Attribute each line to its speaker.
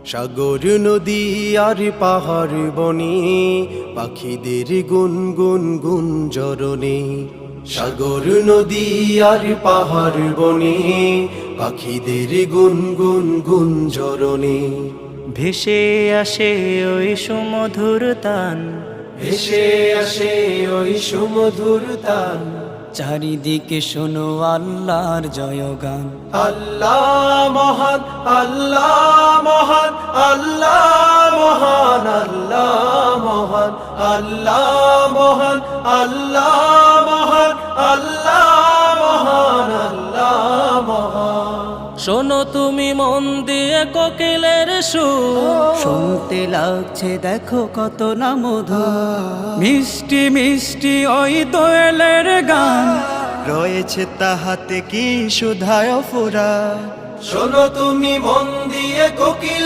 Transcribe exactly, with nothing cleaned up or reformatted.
Speaker 1: সাগর নদী আর পাহাড় বনে পাখিদের গুনগুন গুঞ্জরণে। সাগর নদী আর পাহাড় বনে পাখিদের গুনগুন গুঞ্জরণে।
Speaker 2: ভেসে আসে ওই সুমধুর তান,
Speaker 1: ভেসে আসে ওই সুমধুর তান।
Speaker 2: চারিদিকে শোনো আল্লাহর জয়গান।
Speaker 1: আল্লাহ মহান, আল্লাহ মহান, আল্লাহ মহান, আল্লাহ মহান, আল্লাহ মহান, আল্লাহ মহান, আল্লাহ মহান, আল্লাহ মহান।
Speaker 2: শোনো তুমি মন দিয়ে কোকিলের সুর, শুনতে লাগছে দেখো কত না মধু। মিষ্টি মিষ্টি ওই দোয়েলের গান, রয়েছে তাহাতে কি সুধায় ফুরা।
Speaker 1: শোনো তুমি মন দিয়ে কোকিল